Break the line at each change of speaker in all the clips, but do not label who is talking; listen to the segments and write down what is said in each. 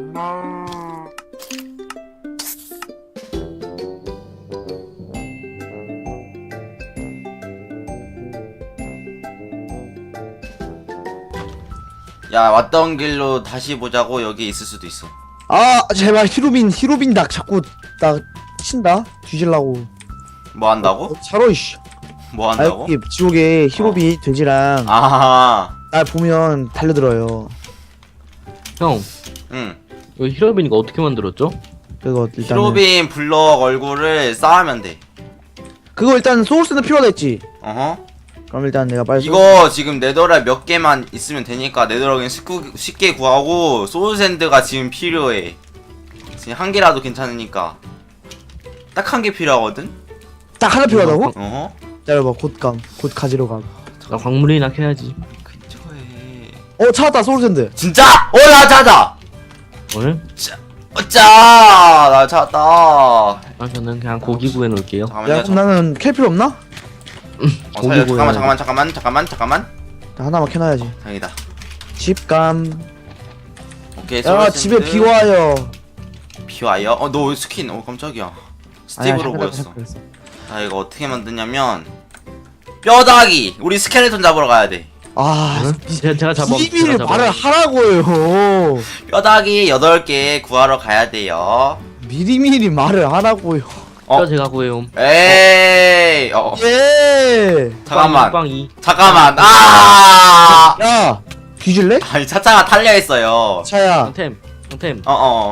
야, 왔던 길로 다시 보자고. 여기 있을 수도 있어.
아 제발 히로빈 나 자꾸 나 친다 뒤질라고.
뭐 한다고?
차로 이씨.
뭐
아
한다고?
여기 지옥에 히로빈 돼지랑
아하.
날 보면 달려들어요.
형,
응.
이거 히로빈이가 어떻게 만들었죠?
그거 일단은
히로빈 블럭 얼굴을 쌓으면 돼.
그거 일단 소울스는 필요하다 했지.
어허.
그럼 일단 내가 빨리
이거 지금 네더락 몇 개만 있으면 되니까 네더락은 쉽게 구하고 소울샌드가 지금 필요해. 지금 한 개라도 괜찮으니까. 딱 한 개 필요하거든?
딱 하나 필요하다고?
어허.
기다려봐 곧 가지러 가.
나 광물이나 캐야지.
근처에.
찾았다 소울샌드.
진짜? 나 찾았다!
오늘?
어짜! 나 찾았다.
아, 저는 그냥 고기 구해놓을게요.
잠깐만요.
야 그럼 나는 캘 필요 없나?
살려.
고기
잠깐만.
나 하나만 캐놔야지.
다행이다.
집감.
오케이,
야
소울샌드.
집에 비와요.
비와요? 너 스킨, 깜짝이야. 스티브로 보였어.
그랬어.
자, 이거 어떻게 만드냐면 뼈다귀! 우리 스켈레톤 잡으러 가야 돼.
아
제가 잡아.
비밀을 말을 하라고요.
뼈다귀 8개 구하러 가야 돼요.
미리미리 말을 하라고요.
어?
제가 구해요.
에이!
예.
잠깐만.
빵이.
잠깐만. 아!
야 뒤질래?
아니, 차차가 탈려있어요.
차야.
형템.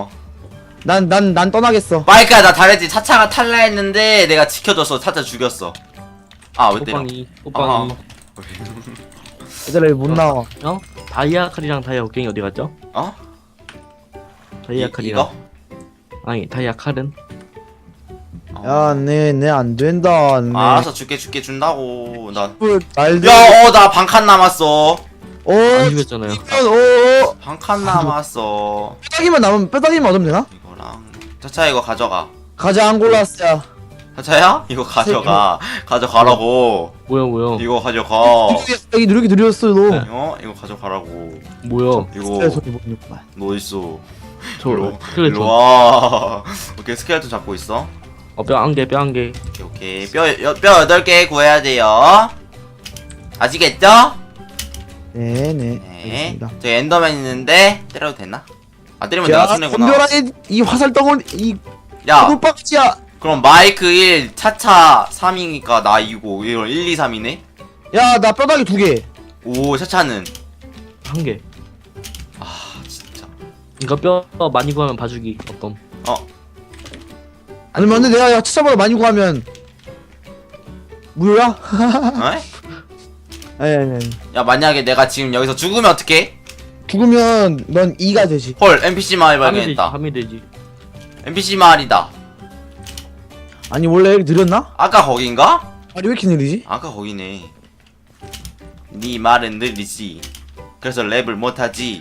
난 떠나겠어.
마이크야, 나 잘했지. 차차가 탈려했는데 내가 지켜줬어. 차차 죽였어. 아, 왜 때려?
호빵이.
얘들아 못 나와.
어? 다이아 칼이랑 다이아 곡괭이 어디 갔죠?
어?
다이아 칼이랑.
이거?
아니, 다이아 칼은?
야, 내 안 된다. 네.
알았어, 줄게 준다고.
말들.
야, 나 반칸 남았어.
안 죽였잖아요.
반칸 남았어.
뼈다귀만 얻으면 되나?
이거랑. 차차, 이거 가져가.
가자 앙골라스야.
차차야? 이거 가져가. 가져가라고.
뭐야.
이거 가져가.
여기 누르기 느렸어 너.
이거 가져가라고.
뭐야.
이거
소리 못 듣구만.
너 있어.
저,
일로
스켈레톤.
와. 오케이, 스켈레톤 잡고 있어.
뼈 한 개.
오케이. 뼈 8개 구해야 돼요. 아시겠죠?
네네.
네.
알겠습니다.
저 엔더맨 있는데 때려도 되나? 아, 때리면 내가
야,
손해구나.
덤벼라 이 화살 덩어리 이
야,
꿀박지야.
그럼 마이크 1, 차차 3이니까 나 2고 이건 1, 2, 3이네?
야, 나 뼈다귀 2개.
오, 차차는?
한 개.
아, 진짜.
이거 뼈 많이 구하면 봐주기. 어떤?
아니면 근데 내가 차차보다 많이 구하면 무효야?
어?
아니.
야, 만약에 내가 지금 여기서 죽으면 어떡해?
죽으면 넌 2가 되지.
헐, NPC 마을 발견했다.
함이 되지.
NPC 마을이다.
아니 원래 여기 느렸나?
아까 거긴가?
아니 왜 이렇게 느리지?
아까 거기네. 네 말은 느리지. 그래서 랩을 못하지.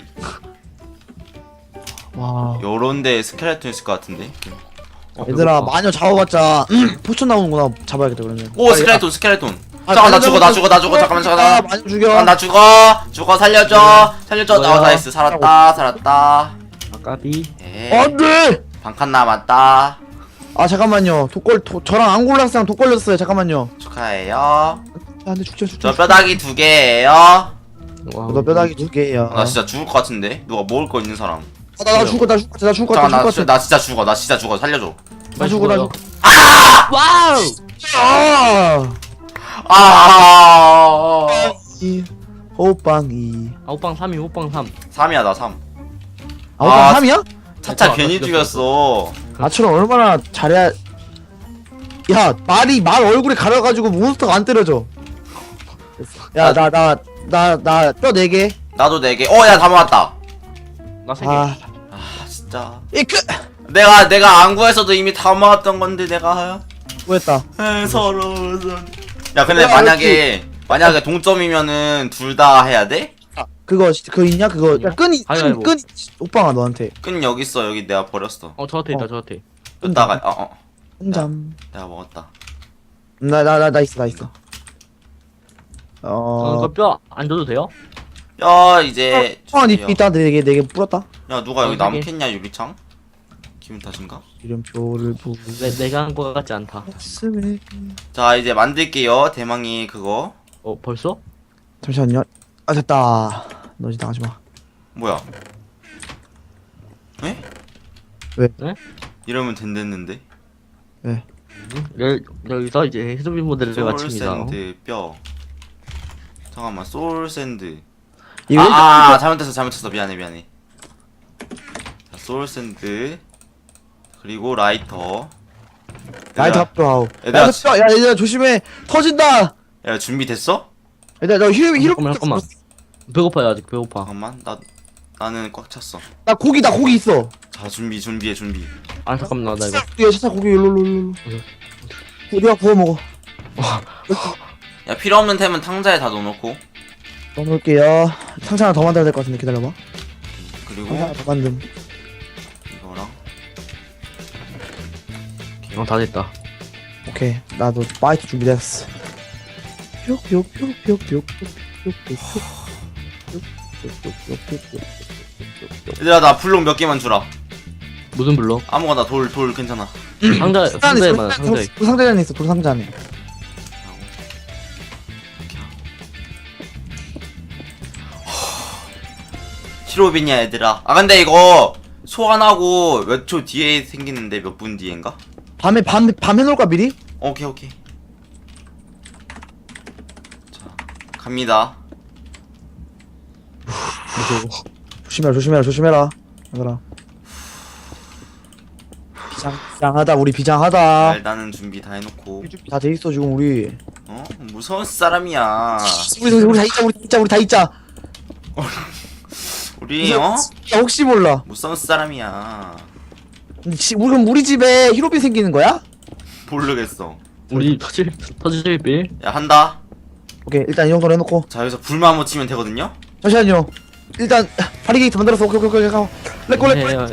와.
요런데 스켈레톤 있을 것 같은데.
얘들아 마녀 잡아봤자 포션 나오는구나. 잡아야겠다 그러면.
오, 스켈레톤.
아,
잠깐, 나
마녀
죽어. 잠깐만.
마녀 죽여.
나 죽어. 살려줘.
뭐야?
나이스. 살았다.
아까비.
에.
안돼.
반칸 남았다.
아 잠깐만요. 저랑 앙골라스랑 독 걸렸어요. 잠깐만요.
축하해요.
안돼 죽자.
저 뼈다귀 2개예요.
와.
너 뼈다귀 2개야.
나 진짜 죽을 것 같은데. 누가 먹을 거 있는 사람.
나 죽을 것 같아.
잠깐, 나 진짜 죽어. 살려줘.
나 죽어.
와우.
아.
아.
호빵이.
호빵 3이 호빵 3.
3이야, 나 3.
아 호빵 3이야?
차차
아,
괜히 죽였어.
나처럼 얼마나 잘해야. 야 말 얼굴에 가려가지고 몬스터가 안 때려져. 야 나 뼈 4개.
나도 4개. 야, 다 모았다.
나 3개.
아
진짜.
이크.
내가 안 구했어도 이미 다 모았던 건데 내가.
뭐했다.
서러워. 야, 근데
야,
만약에 동점이면은 둘 다 해야 돼?
그거 있냐 그거. 야 끈이
가위바위보.
끈 오빠가 너한테.
끈 여기 있어. 여기 내가 버렸어.
저한테 있다. 저한테.
끈다가
혼잠.
내가 먹었다.
나 있어.
저는 뼈 안 줘도 돼요?
야 이제 주세요.
있다. 네개 뿌렸다.
야 누가 여기
어,
나무
되게.
캤냐 유리창? 기분 탓인가?
이름표를
내가 한 거 같지 않다.
부었음에.
자 이제 만들게요 대망이 그거.
벌써?
잠시만요. 아 됐다. 너 이제 나가지 마.
뭐야? 에?
왜?
네?
이러면 된댔는데.
여기서 이제 히로빈 모델을 마칩니다.
소울샌드 뼈. 잠깐만 소울샌드.
이거
잘못했어 미안해. 자, 소울샌드 그리고 라이터.
라이트 합도.
얘들아,
야 얘들아 조심해. 터진다.
야 준비됐어?
얘들아 너 히로
잠깐만. 배고파요 아직 배고파.
잠깐만 나는 꽉 찼어.
나 고기 있어.
자 준비해.
아 잠깐만 나 이거.
야 차차 고기 일로. 우리가 구워 먹어.
야 필요 없는 템은 탕자에 다 넣어놓고.
넣어놓을게요. 상자 하나 더 만들어야 될 것 같은데 기다려봐.
그리고
상자 하나 더 만듦.
이거랑
다 됐다.
오케이 나도 파이트 준비됐어.
얘들아 나 블록 몇 개만 주라.
무슨 블럭?
아무거나 돌 괜찮아.
상자에 많아 상자에.
상자 안에 있어. 돌 상자 안에.
히로빈이야 얘들아. 아 근데 이거 소환하고 몇 초 뒤에 생기는데 몇 분 뒤엔가?
밤에 해놓을까 미리?
오케이. 자 갑니다.
조심해라. 얘들아. 비장하다 우리 비장하다.
일단은 준비 다 해놓고.
다 돼 있어 지금 우리.
어? 무서운 사람이야.
우리 다 있자.
우리 어?
야, 혹시 몰라.
무서운 사람이야.
근데 그럼 우리 집에 히로빈 생기는 거야?
모르겠어.
우리 터질 빌.
야 한다.
오케이 일단 이 정도로 해놓고.
자 여기서 불만 한번 치면 되거든요.
잠시만요. 일단 바리게이트 만들었어. 오케이. 가. 렛고.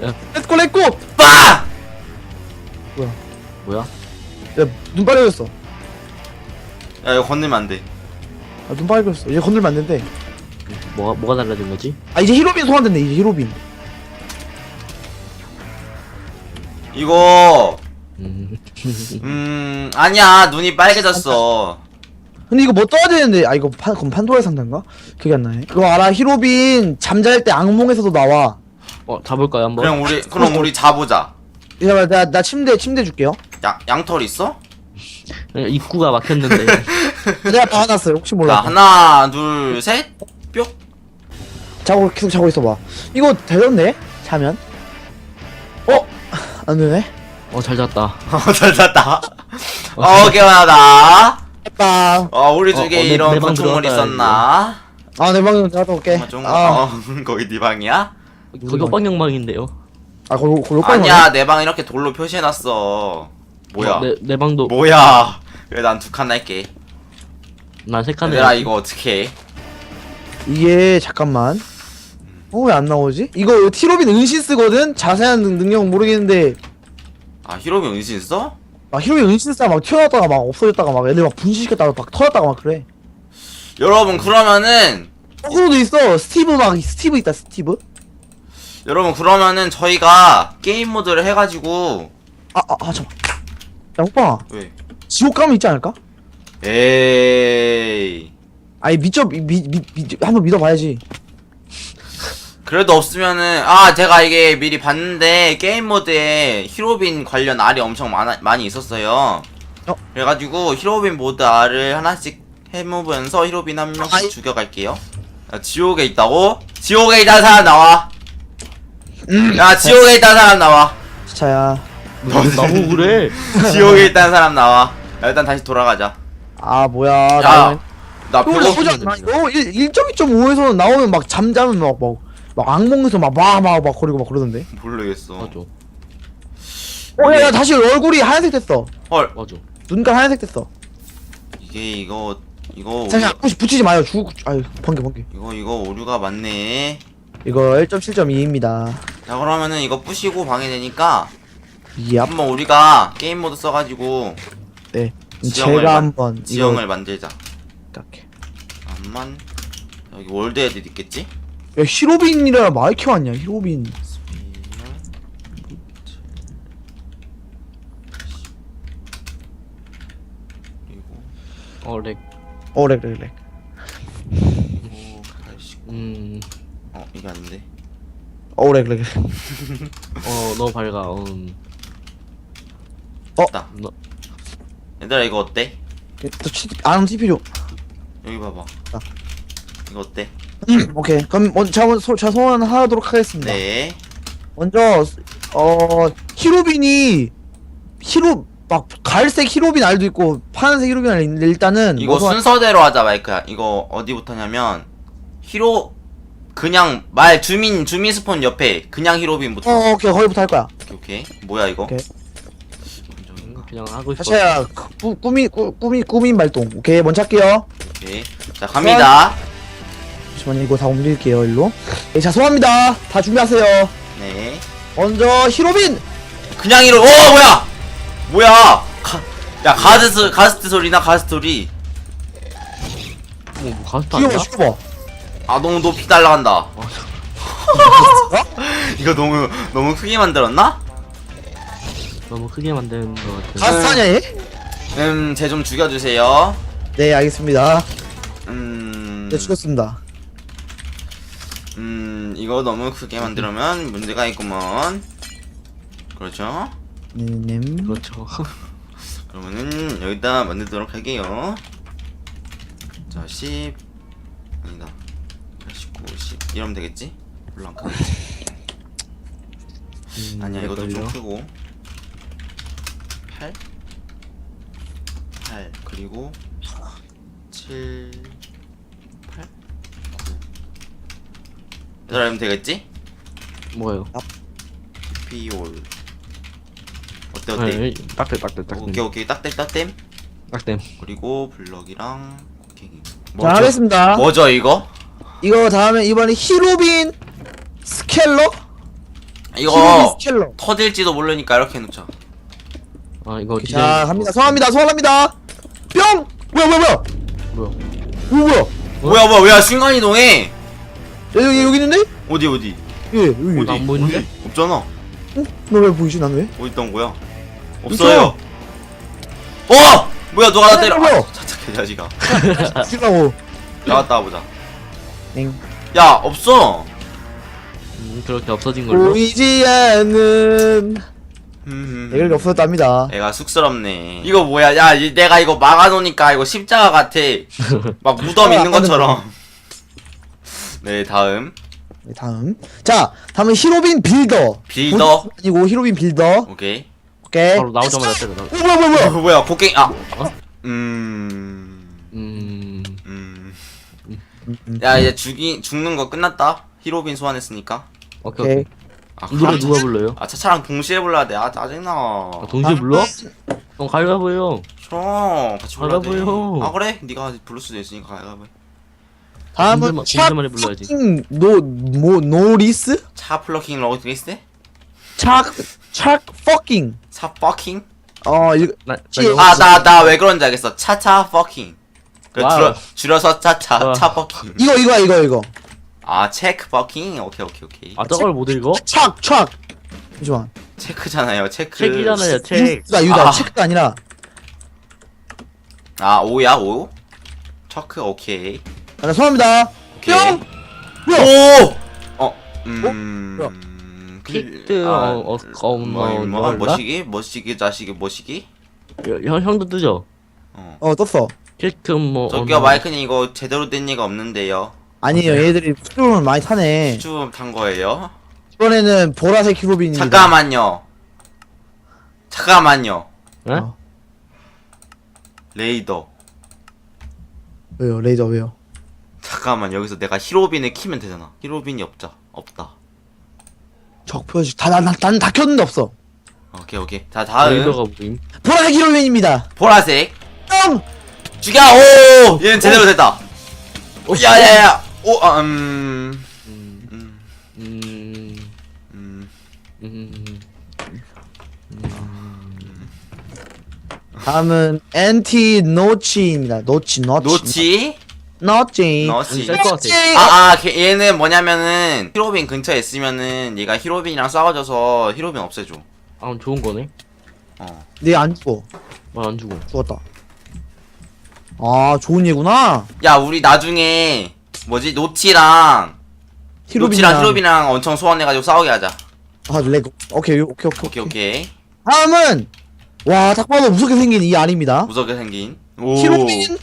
빠!
뭐야?
야, 눈 빨개졌어.
야 이거 건들면 안 돼.
아, 눈 빨개졌어. 이제 건들면 안 된대.
뭐가 달라진 거지?
아, 이제 히로빈 소환된대. 이제 히로빈.
이거
음.
아니야 눈이 빨개졌어.
근데 이거 뭐 떠야 되는데. 아, 이거 그럼 판도라의 상자인가? 그게 안 나네. 그거 알아? 히로빈 잠잘 때 악몽에서도 나와.
잡을까요 한번?
그럼 우리 자보자.
이제 나 침대 줄게요.
양털 있어?
입구가 막혔는데.
내가 박아놨어요. 혹시
자
몰라.
하나 둘 셋 뿅.
계속 자고 있어봐. 이거 되던데? 자면? 안 되네.
잘 잤다.
잘 잤다. 개운하다.
됐다.
우리 중에 이런
내 방
건축물
들어가야
있었나?
아, 내 방에 갔다 올게.
거기 네 방이야?
거기 호빵영방인데요.
거기
아니야 내 방 이렇게 돌로 표시해놨어. 뭐야?
내 방도.
뭐야? 그래 난 두 칸 할게.
난 세 칸에.
얘들아 이거 어떻게 해?
이게 잠깐만. 왜 안 나오지? 이거 티로빈 은신 쓰거든? 자세한 능력은 모르겠는데.
히로미 은신 써?
히로빈 은신 쓰다 막 튀어나왔다가 막 없어졌다가 막 애들 막 분신시켰다가 막 터졌다가 막 그래.
여러분 그러면은
거꾸로도 있어. 스티브 있다. 스티브.
여러분 그러면은 저희가 게임 모드를 해가지고
잠깐. 야, 호빵아.
왜?
지옥 가면 있지 않을까?
에이
아니 한번 믿어봐야지.
그래도 없으면은 제가 이게 미리 봤는데 게임 모드에 히로빈 관련 알이 엄청 많이 있었어요. 그래가지고 히로빈 모드 알을 하나씩 해보면서 히로빈 한 명씩 죽여갈게요. 야, 지옥에 있다고? 지옥에 있다는 사람 나와. 야 지옥에 있다는 사람 나와.
차야.
너무 그래.
지옥에 있다는 사람 나와. 야, 일단 다시 돌아가자.
뭐야.
나
이거
배고.
나쁘지 않나? 이거 1.2.5에서는 나오면 막 잠자면 막 악몽에서 막 거리고 막 그러던데.
모르겠어.
맞아.
야, 다시 얼굴이 하얀색 됐어.
헐.
맞아.
눈깔 하얀색 됐어.
이거
잠시 붙이지 마요. 번개.
이거 오류가 많네.
이거 1.7.2입니다.
자 그러면은 이거 부시고 방해되니까
얍.
한번 우리가 게임 모드 써가지고
네.
지형을
제가 한번
지형을 만들자.
이렇게.
잠깐만. 여기 월드 애들 있겠지?
야 히로빈이라 마이크 왔냐 히로빈.
그리고
렉.
렉.
그리고 89. 이게 아닌데.
렉.
너무 밝아.
됐다.
너,
얘들아 이거 어때?
안 TP죠.
여기 봐봐.
아.
이거 어때?
오케이. 그럼 제가 소원하도록 하겠습니다.
네.
먼저 히로빈이 막 갈색 히로빈 알도 있고 파란색 히로빈 알 있는데 일단은
이거 순서대로 하자 마이크야. 이거 어디부터냐면 그냥 주민 스폰 옆에 그냥 히로빈부터.
오케이 거기부터 할 거야.
오케이. 뭐야 이거?
오케이.
그냥 하고 싶어.
사차야 꾸민 발동. 오케이 먼저 할게요.
오케이. 자 갑니다.
잠시만요 이거 다 옮길게요 일로. 네, 자 소환합니다. 다 준비하세요.
네.
먼저 히로빈.
그냥 이로. 오 뭐야? 야 가스트 소리나 가스트 소리.
뭐 가스트 아니야?
죽여봐.
아 너무 높이 날아간다. 이거 너무 크게 만들었나?
너무 크게 만드는 것 같아.
가스타냐 얘?
쟤 좀 죽여주세요.
네 알겠습니다.
음.
네 죽였습니다.
이거 너무 크게 만들면 문제가 있구먼. 그렇죠?
님.
그렇죠.
그러면은 여기다 만들도록 할게요. 자, 10 아니다. 89, 10 이러면 되겠지? 별로 안 크겠지? 아니야, 이것도 좀 크고. 8 그리고 7 8 9 이러면 되겠지?
뭐예요?
피올 어때?
딱대.
오케이 딱댐
딱댐.
그리고 블럭이랑 곡괭이.
자 하겠습니다.
뭐죠 이거?
이거 다음에 이번에 히로빈 스켈러? 히로빈
이거
스켈러.
터질지도 모르니까 이렇게 해놓자.
이거
자 갑니다. 소환합니다. 뿅! 뭐야?
뭐야 순간이동해.
여기 있는데?
어디
예 여기.
어디?
안 보이는데?
어디? 없잖아.
너 왜 보이지 난 왜?
어디 있던 거야? 없어요. 뭐야 누가 나 때려.
뭐야?
차차 개자식아.
죽이려고.
나갔다 와보자.
엥.
야 없어.
그렇게 없어진 걸로.
보이지 않는 애가 없어졌답니다.
애가 쑥스럽네. 이거 뭐야? 야 내가 이거 막아놓으니까 이거 십자가 같아. 막 무덤 있는 것처럼. 네 다음.
네, 다음은 히로빈 빌더.
빌더?
아니고 히로빈 빌더.
오케이.
오케이.
바로 나오자마자 때려.
뭐야?
뭐야 곡괭이 야 이제 죽는 거 끝났다. 히로빈 소환했으니까.
오케이.
아
노래 누가 불러요?
차차랑 동시에 불러야 돼. 짜증나.
동시에 불러? 가위바위보요.
싫어. 같이 불러야 돼.
가위바위보요.
그래? 네가 부를 수도 있으니까 가위바위보.
다음은
공들만에 불러야지.
노리스?
차 플러킹 로드리스?
차 퍼킹.
차 퍼킹?
나
나 왜 그런지 알겠어. 차차 퍼킹.
와우.
줄여서 차차
와.
차 퍼킹.
이거.
아 체크 퍼킹. 오케이.
저걸 못 읽어?
착. 잠시만.
체크잖아요. 체크.
책이잖아요, 책.
유다 체크가 아니라.
아 오야 오? 체크 오케이.
자, 소환합니다.
오케이.
뿅!
킥드,
머시기 자식이 머시기?
형도 뜨죠?
떴어.
킥드
저기요 마이크님 이거 제대로 된 얘가 없는데요.
아니에요, 얘들이 수줍음을 많이 타네.
좀 탄 거예요?
이번에는 보라색 히로빈입니다.
잠깐만요.
네?
레이더.
왜요, 레이저 왜요?
잠깐만 여기서 내가 히로빈을 키면 되잖아. 히로빈이 없다.
적 표시 난 다 켰는데 없어.
오케이. 자 다음
레이더가 뭐임?
보라색 히로빈입니다.
보라색.
뿅!
죽여! 오! 얘는 제대로 됐다. 야야야.
다음은 엔티 노치입니다. 노치.
노치?
너지.
너지.
셀것 같아.
얘는 뭐냐면은 히로빈 근처에 있으면은 얘가 히로빈이랑 싸워져서 히로빈 없애줘.
아, 좋은 거네.
네안 죽어.
안 주고.
죽었다. 아 좋은 얘구나.
야 우리 나중에 뭐지 노치랑 히로빈이랑 엄청 소환해가지고 싸우게 하자.
아 레고. 오케이.
오케이.
다음은 와 딱 봐도 무섭게 생긴 이 알입니다.
무섭게 생긴. 오.
히로빈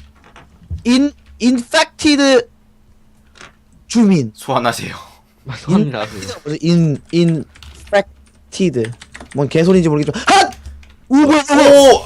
인펙티드 주민.
소환하세요.
소환이 나서.
인펙티드. 뭔 개소리인지 모르겠지만 핫! 뭐야
오.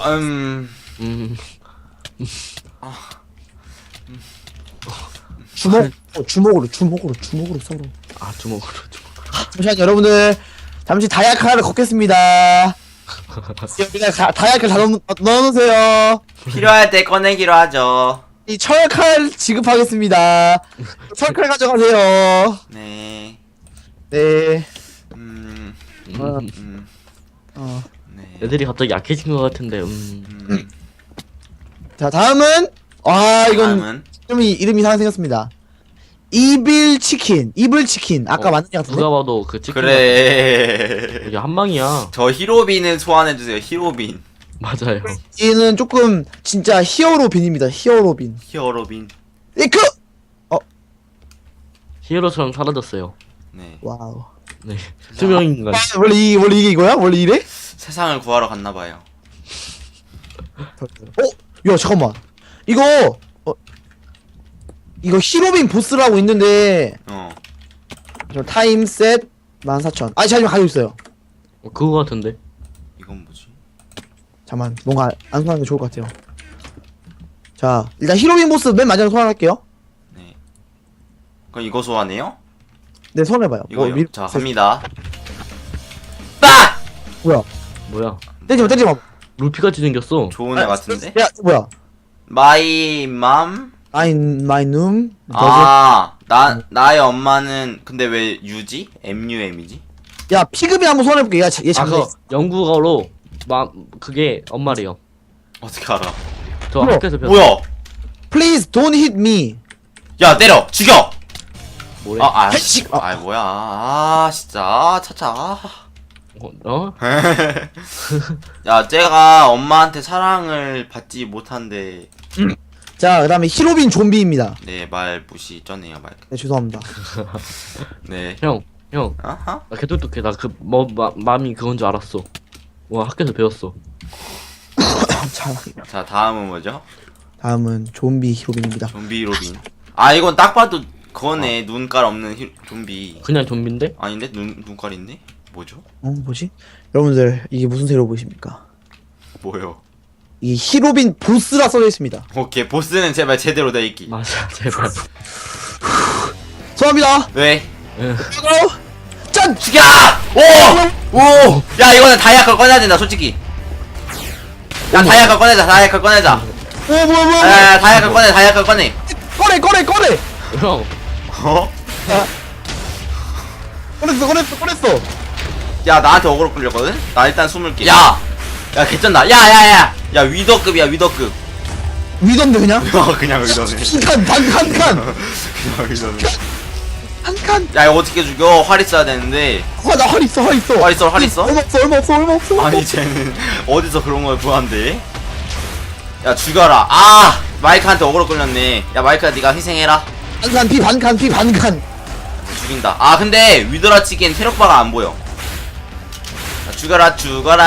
주먹으로 서로.
아, 주먹으로.
잠시만 여러분들 잠시 다이아크 하나를 걷겠습니다. 여기다 다이아크 다 넣어놓으세요.
필요할 때 꺼내기로 하죠.
이 철칼 지급하겠습니다. 철칼 가져가세요.
네.
네.
네.
애들이 갑자기 약해진 것 같은데.
자 다음은 이건
다음은
이름이 이상하게 생겼습니다. 이블 치킨. 아까 맞는 것 같은데.
누가 봐도 그 치킨.
그래.
이게 한 방이야.
저 히로빈을 소환해주세요. 히로빈.
맞아요.
얘는 조금 진짜 히어로빈입니다. 히어로빈. 이크.
히어로처럼 사라졌어요.
네.
와우.
네. 투명 인간.
원래 이게 이거야? 원래 이래?
세상을 구하러 갔나봐요.
야 잠깐만. 이거 히로빈 보스라고 있는데 저 타임 셋 14,000. 아니 잠시만 가지고 있어요.
그거 같은데.
이건 뭐지?
잠만 뭔가 안 소환하는 게 좋을 것 같아요. 자 일단 히로빈 보스 맨 마지막에 소환할게요.
네. 그럼 이거 소환해요?
네 소환해봐요.
이거요. 자 갑니다. 빡!
뭐야?
때리지마.
루피같이 생겼어.
좋은 애 같은데?
야 뭐야?
마이 맘?
마이 눔.
나의 엄마는 근데 왜 U지? MUM이지?
야 피그미 한번 소환해볼게. 얘
아,
장난.
그 영국어로 그게 엄마래요.
어떻게 알아?
저
뭐야?
학교에서 배웠어.
뭐야?
Please don't hit me.
야 때려! 죽여!
뭐래?
해식!
뭐야 진짜 차차.
어?
야 쟤가 엄마한테 사랑을 받지 못한데
자 그다음에 히로빈 좀비입니다.
네 말 무시 쩌네요 말.
네 죄송합니다.
네.
형.
아하?
나 개똑똑해. 나 맘이 그건 줄 알았어. 와, 학교에서 배웠어.
자 다음은 뭐죠?
다음은 좀비 히로빈입니다.
좀비 로빈. 이건 딱 봐도 그거네. 눈깔 없는 좀비.
그냥 좀비인데?
아닌데? 눈깔 있네? 뭐죠?
뭐지? 여러분들 이게 무슨 새로 보이십니까?
뭐요?
이 히로빈 보스라 써져 있습니다.
오케이 보스는 제발 제대로 돼 있기.
맞아, 제발.
죄송합니다.
왜?
짠!
죽여! 오! 오! 야 이거는 다이아컬 꺼내야 된다 솔직히. 야 다이아컬 꺼내자.
뭐야?
야 다이아컬 꺼내.
꺼내!
형.
어?
꺼냈어.
야 나한테 어그로 끌렸거든? 나 일단 숨을게. 야 개쩐다. 야 위더급이야 위더급.
위던데 그냥?
그냥 위더네.
한 칸.
그냥 위더네.
한 칸.
야 이거 어떻게 죽여? 활 있어야 되는데.
나 활 있어.
활 있어?
얼마 없어.
아니 쟤는 어디서 그런 걸 구한대? 야 죽여라. 마이크한테 어그로 끌렸네. 야 마이크야 네가 희생해라.
반칸.
죽인다. 근데 위더라 치기엔 체력바가 안 보여. 죽어라.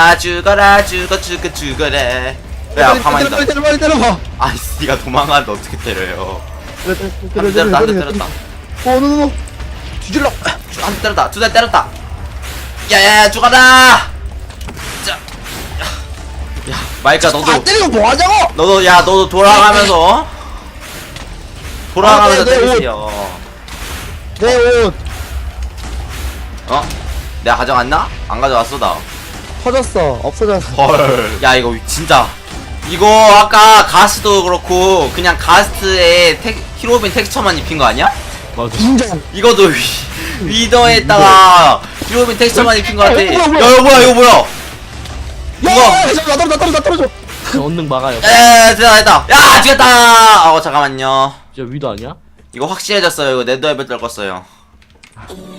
야 가만히 있다.
때려봐.
니가 도망가는데 어떻게 때려요?
때렸다.
때렸다.
노. 뒤질러.
한 대 때렸다. 두 대 때렸다. 야야야 죽어라. 자. 야 마이크야 너도
때리고 뭐 하자고?
너도 돌아가면서
내 옷.
때리세요.
내 옷
내가 가져갔나? 안 가져왔어 나.
터졌어. 없어졌어.
헐. 야 이거 진짜. 이거 아까 가스도 그렇고 그냥 가스에 히로빈 텍스처만 입힌 거 아니야?
맞아.
인정.
이거도 위더에다가 히로빈 텍스처만 입힌 거 같아. 야 이거 뭐야?
나 떨어져.
언능 막아요.
됐다. 야 죽였다. 잠깐만요.
진짜 위도 아니야?
이거 확실해졌어요. 이거 네더앱에 떨궜어요.